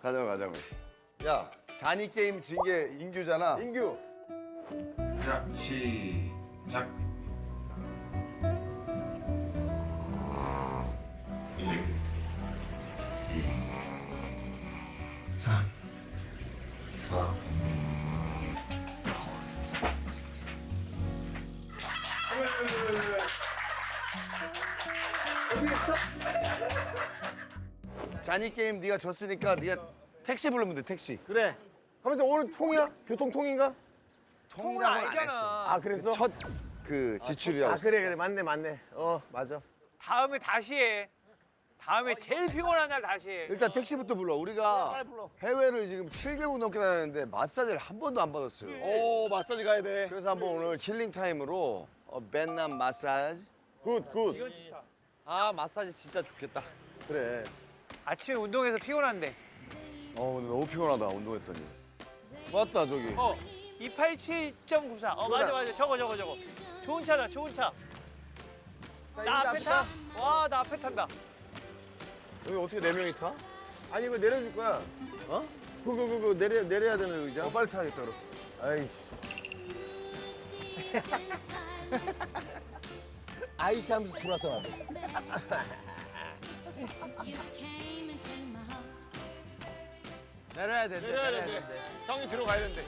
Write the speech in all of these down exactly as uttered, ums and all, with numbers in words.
가자고 가자고. 야 잔이 게임 진 게 인규잖아. 인규. 자, 시작. 일, 이, 삼, 사. 잔이 게임 네가 졌으니까 네가 택시 부르면 돼 택시. 그래. 하면서 오늘 통이야? 교통통인가? 통이라고 안 했어. 아 그랬어? 첫 그 지출이라고. 아 그래 그래 맞네 맞네. 어 맞아. 다음에 다시 해. 다음에 제일 피곤한 날 다시 해. 일단 택시부터 불러. 우리가 빨리 불러. 해외를 지금 칠 개국 넘게 다녔는데 마사지를 한 번도 안 받았어요. 오 마사지 가야 돼. 그래서 한번 오늘 힐링 타임으로 어, 베트남 마사지. 굿 굿. 이건 좋다. 아 마사지 진짜 좋겠다. 그래. 아침에 운동해서 피곤한데. 어 오늘 너무 피곤하다 운동했더니. 맞다 저기. 어, 이백팔십칠 점 구사. 어, 맞아, 맞아. 저거, 저거, 저거. 좋은 차다, 좋은 차. 나 앞에 타? 와, 나 앞에 탄다. 여기 어떻게 네 명이 타? 아니 이거 내려줄 거야. 어? 그거 그거 내려 내려야 되는 의자. 어 빨리 타야겠다 그럼. 아이씨. 아이씨 하면서 들어왔어 나도. 내려야 돼. 내려야 되는데. 형이 들어가야 되는데.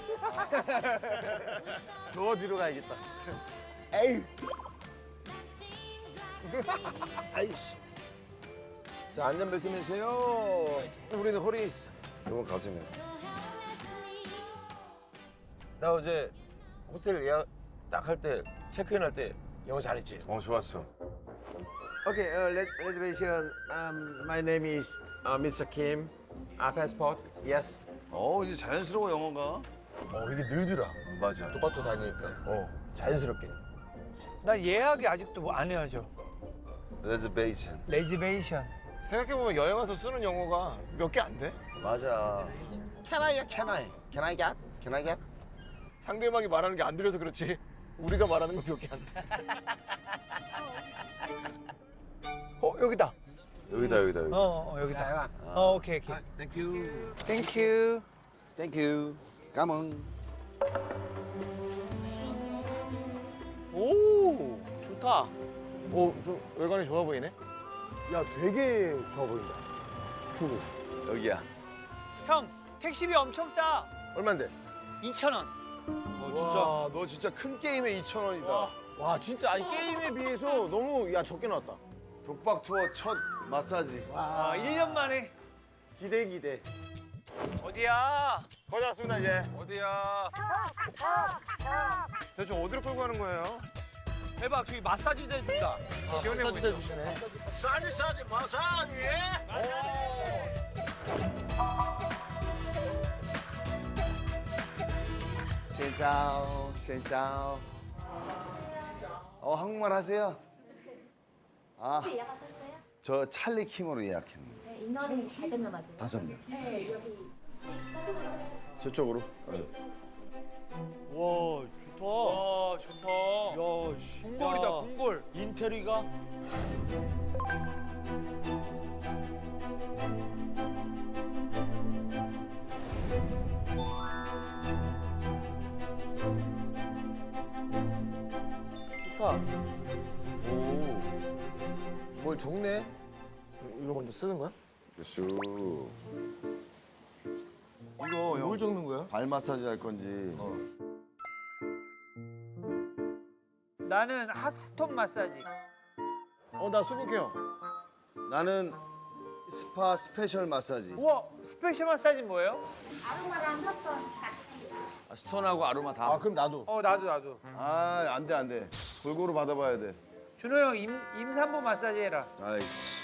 저 뒤로 가야겠다. 에이. 아이씨. 자 안전벨트 매세요. 우리는 허리에 있어. 이건 가슴에. 나 어제 호텔 예약 딱 할 때 체크인 할 때 영어 잘했지. 어 좋았어. Okay, uh, res- reservation. Um, my name is uh, 미스터 Kim. Uh, passport. Yes. 어 이제 자연스러워 영어가. 어 이게 늘더라. 맞아. 똑바로 다니니까. 어 자연스럽게. 나 예약이 아직도 뭐 안 해야죠. 레즈베이션. 레지베이션. 생각해보면 여행 와서 쓰는 영어가 몇 개 안 돼? 맞아. Can I? Can I? Can I get? Can I get? 상대방이 말하는 게 안 들려서 그렇지. 우리가 말하는 건 몇 개 안 돼. 어, 여기다. 여기다 여기다 여기. 어, 어 여기다. 어, 오케이, 오케이. 땡큐. 땡큐. 땡큐. 까몽. 오 좋다. 오, 좀 외관이 좋아 보이네. 야, 되게 좋아 보인다. 푸구. 여기야. 형, 택시비 엄청 싸. 얼마인데? 이천 원. 와, 너 진짜 큰 게임에 이천 원이다. 와. 와, 진짜 아니 게임에 비해서 너무 야 적게 나왔다. 독박 투어 첫 마사지. 아, 일 년 만에. 기대 기대. 어디야? 거의 다 왔습니다 이제. 어디야? 대체 어디로 끌고 가는 거예요? 대박 저기 마사지도 해준다. 시원해 마사지 보이죠? 해주시네. 싸지 싸지 마사지. 신짜오, 신짜오. 어, 한국말 하세요? 아, 예약하셨어요? 저 찰리 킴으로 예약했는데. 네, 인원이 다섯 명 맞아요. 다섯 명. 네, 여기. 저쪽으로. 와 좋다. 와, 좋다. 야 씨. 궁궐이다, 야, 궁궐. 인테리가. 좋다. 오. 뭘 적네? 이거 먼저 쓰는 거야? 슈. 이거 형, 뭘 적는 거야? 발 마사지 할 건지. 나는 핫스톤 마사지. 어, 나 수국해요. 나는 스파 스페셜 마사지. 우와, 스페셜 마사지 뭐예요? 아로마랑 핫선 같이. 아, 스톤하고 아로마 다. 아, 그럼 나도. 어, 나도, 나도. 아, 안 돼, 안 돼. 골고루 받아봐야 돼. 준호 형 임, 임산부 마사지 해라. 아이씨.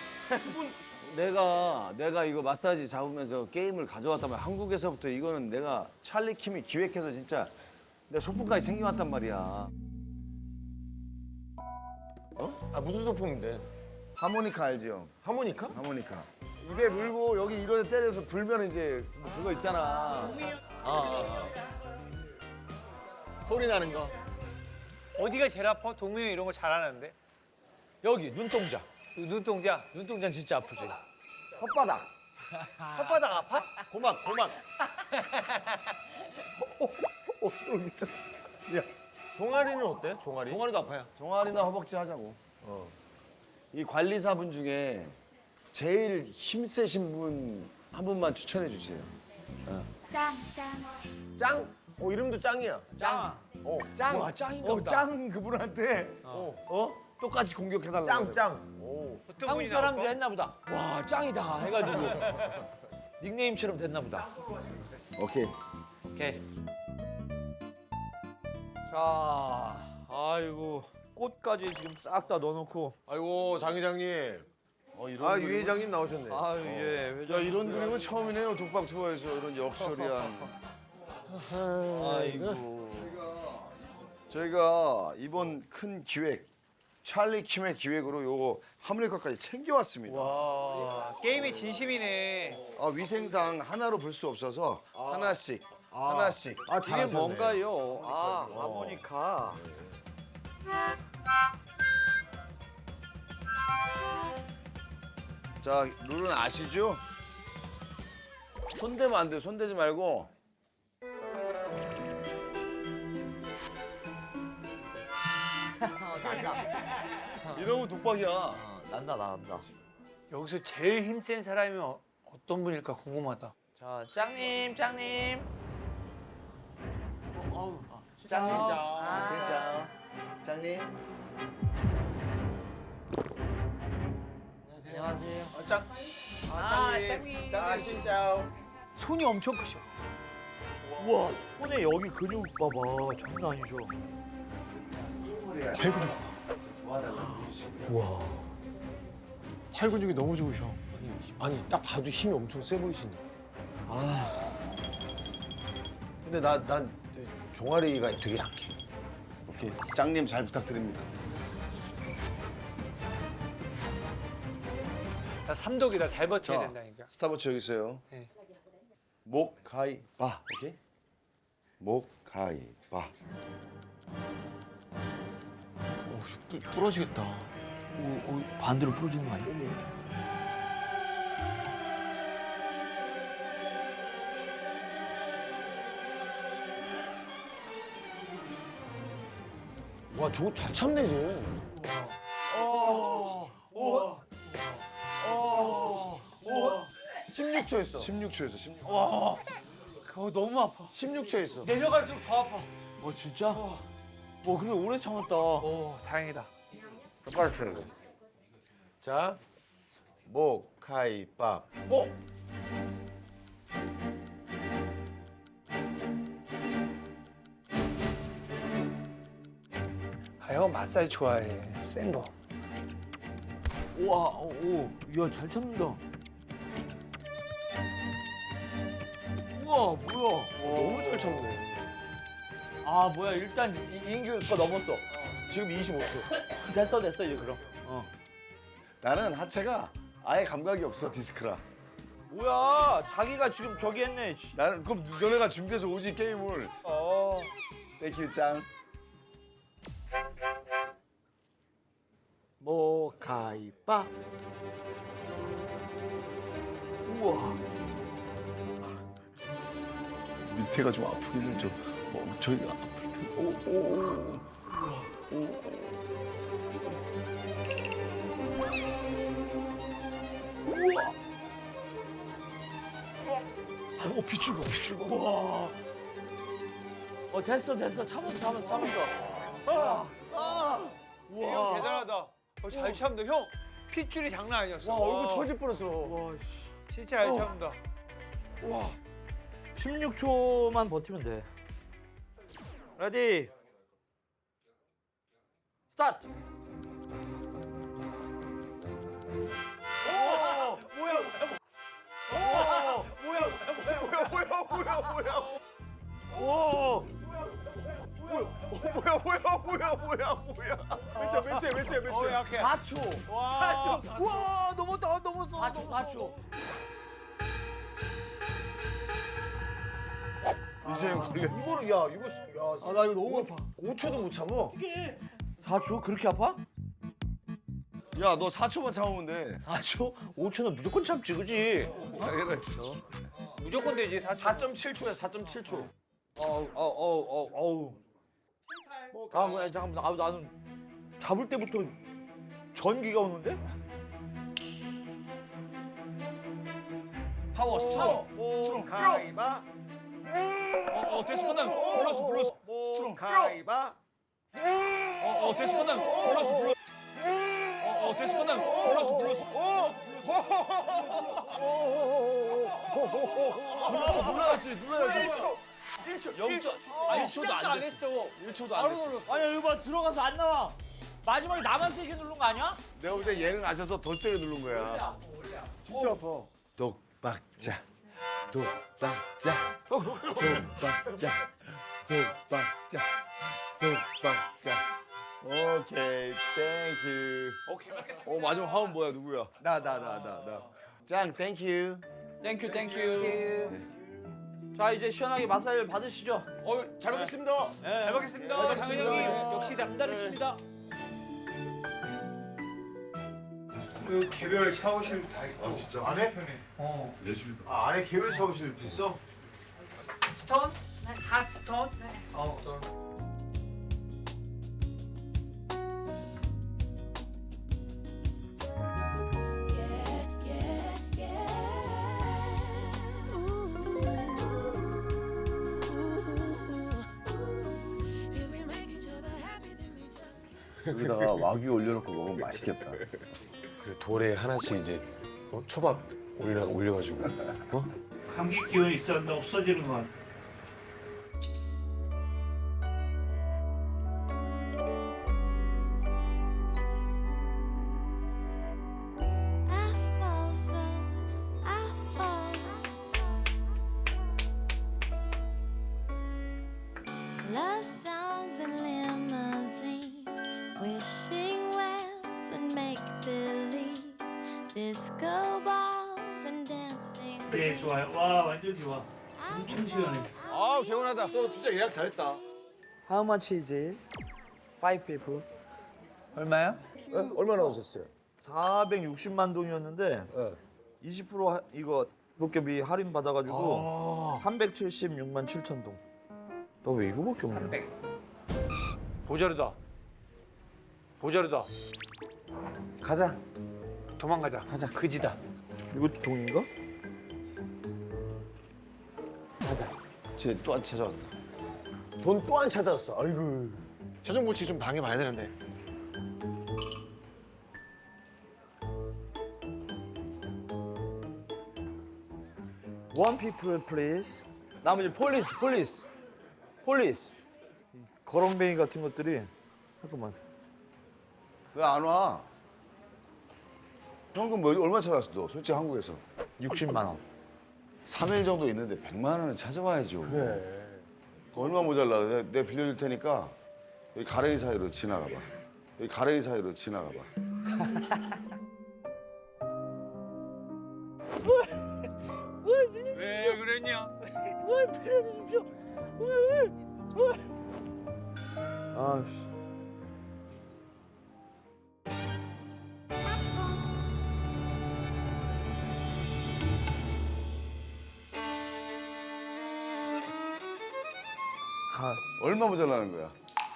내가 내가 이거 마사지 잡으면서 게임을 가져왔다면 한국에서부터 이거는 내가 찰리 킴이 기획해서 진짜 내 소품까지 생겨왔단 말이야. 아, 무슨 소품인데? 하모니카 알지 형? 하모니카? 하모니카. 입에 물고 여기 이런 데 때려서 불면 이제 뭐 그거 있잖아. 소리 나는 거. 어디가 제일 아파? 동명이 이런 거 잘하는데. 여기 눈동자. 눈동자. 눈동자는 진짜 아프지. 혓바닥. 혓바닥 아파? 고막 고막. 어, 소름 미쳤어. 야, 종아리는 어때? 종아리? 종아리도 아파요. 종아리나 허벅지 하자고. 어. 이 관리사분 중에 제일 힘세신 분 한 분만 추천해 주세요. 짱, 짱. 짱? 어 이름도 짱이야. 짱. 어 짱. 와, 짱인가 보다. 짱 그분한테 어, 어? 똑같이 공격해 달라고. 짱 짱. 오. 어떤 한국 분이 사람들이 나올까? 했나 보다. 와 짱이다 해가지고 닉네임처럼 됐나 보다. 오케이. 오케이. 자, 아이고 꽃까지 지금 싹 다 넣어놓고. 아이고 장 회장님. 어, 이런 아 그림- 유 회장님 나오셨네. 아유 예. 야, 회장. 이런 그림은 처음이네요. 독박 투어에서 이런 역설이한. 아이고. 저희가 이번 큰 기획 찰리 킴의 기획으로 요거 하모니카까지 챙겨왔습니다. 와, 게임이 진심이네. 아, 위생상 하나로 볼 수 없어서 하나씩 하나씩. 아 이게 잘하셨네. 뭔가요? 아 하모니카. 자, 룰은 아시죠? 손대면 안 돼요. 손대지 말고. 이러면 독박이야. 난다 난다. 여기서 제일 힘센 사람이 어, 어떤 분일까 궁금하다. 자 짱님 짱님. 짱님. 아. 진짜. 짱님. 안녕하세요. 아, 짱. 아, 짱님. 짱 진짜. 손이 엄청 크셔. 우와 손에 여기 근육 봐봐 장난 아니죠. 팔 근육이 너무 좋으셔. 아니, 아니 딱 봐도 힘이 엄청 세 보이시네. 아. 근데 나난 종아리가 되게 약해. 오케이. 짱님 잘 부탁드립니다. 나 삼독이다. 잘 버텨야 자, 된다니까. 스타벅스 여기 있어요. 네. 목, 가이, 바. 오케이? 목, 가이, 바. 오, 부러지겠다. 오, 오, 반대로 부러지는 거 아니야? 와 저거 잘 참네 쟤. 십육 초였어. 십육 초에서 십육 초. 그거 너무 아파. 십육 초였어. 내려갈수록 더 아파. 어 진짜? 와 근데 오래 참았다. 오, 다행이다. 똑바로 펴는 거. 자, 목, 가이, 밥, 목. 아, 형 마사지 좋아해. 센 거. 우와 오야잘 참는다. 우와 뭐야? 너무 잘 참네. 아 뭐야 일단 이- 이인규 거 넘었어. 지금 이십오 초. 됐어 됐어 이제 그럼. 어. 나는 하체가 아예 감각이 없어, 디스크라. 뭐야 자기가 지금 저기 했네. 씨. 나는 그럼 너네가 준비해서 오지 게임을. 어. 땡큐 짱. 목, 가이, 밥. 우와. 밑에가 좀 아프긴 해. 좀 어, 저희가 아플 때. 오, 오, 오. 오, 오. 우와. 오, 빗줄 봐, 빗줄 봐. 우와. 어 됐어 됐어 참았어 참았어 참았어. 아. 아. 형 우와. 대단하다. 어, 잘 참는다. 형 핏줄이 장난 아니었어. 와 얼굴 터질 뻔했어. 와 씨. 진짜 잘 참는다. 와. 십육 초만 버티면 돼. 레디. 스타트. 오! 뭐야 오! 뭐야 뭐야 뭐야 뭐야 뭐야 뭐야 오! 뭐야 뭐야 뭐야 뭐야 뭐야. 맨 맨체 맨체 맨체. 어, 약해. 사 초. 와. 와 넘었다 넘었어. 사 초 사 초. 이재영 걸렸어. 이거를 야 이거 야. 아 나 이거 너무 아파. 오 초도 못 참어. 어떻게 사 초 그렇게 아파? 야, 너 사 초만 참으면 돼. 사 초? 오 초는 무조건 참지, 그지? 당연하지. 무조건 되지. 사 사 점 칠 초야, 사 점 칠 초. 어우, 어우, 어우, 어우. 아, 뭐야, 잠깐만. 아, 나는 잡을 때부터 전기가 오는데? 파워, 스트롱. 스트롱. 가위바. 어, 어, 됐어, 끝나. 불렀어, 불렀어. 스트롱. 가위바. 어, 어, 됐어, 끝나. 불렀어, 불렀어. 어, 어, 됐어, 끝나. 불렀어, 불렀어. 불렀어, 눌러야지, 눌러야지. 일 초. 일 초. 영 초. 아, 일 초도 시작도 안 안 됐어. 했어. 일 초도 안 됐어. 아니, 이거 봐, 들어가서 안 나와. 마지막에 나만 세게 누른 거 아니야? 내가 볼 때 얘는 아셔서 더 세게 누른 거야. 진짜 아파. 독박자, 독박자, 독박자, 독박자, 독박자. 오케이, 땡큐. 오케이, 맞겠습니다. 어, 마지막 화음 뭐야, 누구야? 나 나 나 나 나. 짱, 땡큐. 땡큐, 땡큐. 자, 이제 시원하게 마사지를 받으시죠. 어, 잘 먹겠습니다. 네. 잘 먹겠습니다. 당현 형님 역시 남다르십니다. 그 개별 샤워실도 다 있고. 아 진짜? 안에? 어. 예술. 아, 안에 개별 샤워실도 있어? 스톤? 하 스톤? 어. 여기다가 와규 올려놓고 먹으면 맛있겠다. 그래, 돌에 하나씩 이제 어? 초밥 올려 올려가지고. 어? 감기 기운이 있었는데 없어지는 것 같아. I fall so I fall. Love songs and limousine, wishing wells and make believe, disco balls and dancing. 네, 좋아요. 와, 완전 좋아. 엄청 시원해. 아, 개운하다. 너 진짜 예약 잘했다. How much is it? Five people. 얼마야? 네? 얼마나 오셨어요? 사백육십만 동이었는데 네. 이십 퍼센트 하, 이거 도깨비 할인 받아가지고 삼백칠십육만 칠천 동. 너 왜 이거밖에 없냐? 보자르다. 보자르다. 가자. 도망가자. 가자. 그지다. 이거 동인가? 쟤 또 안 찾아왔다. 돈 또 안 찾아왔어. 아이고. 저녁 물치 좀 방해봐야 되는데. One people please. 나머지 폴리스, 폴리스, 폴리스. 거렁뱅이 같은 것들이 잠깐만. 왜 안 와? 현금 뭐 얼마 찾아왔어, 너? 솔직히 한국에서. 육십만 원. 삼 일 정도 있는데 백만 원은 찾아와야죠. 그래. 얼마 모자라. 내가, 내가 빌려줄 테니까 여기 가랭이 사이로 지나가 봐. 여기 가랭이 사이로 지나가 봐. 왜 그랬냐? 아씨. 아, 얼마 모자라는 거야?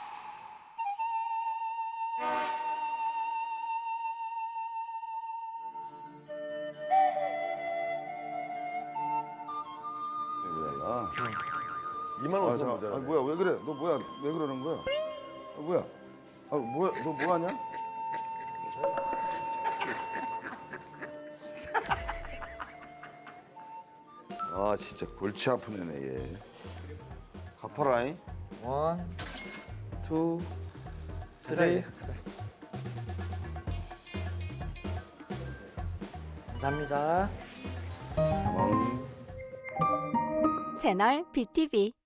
모자라. 이만 아, 오천 잠깐. 모자라. 아, 뭐야? 왜 그래? 너 뭐야? 왜 그러는 거야? 아, 뭐야? 아, 뭐야? 너 뭐 하냐? 아, 진짜 골치 아픈 애네 얘. 갚아라잉. 원, 투, 쓰리. 감사합니다. 채널 비티비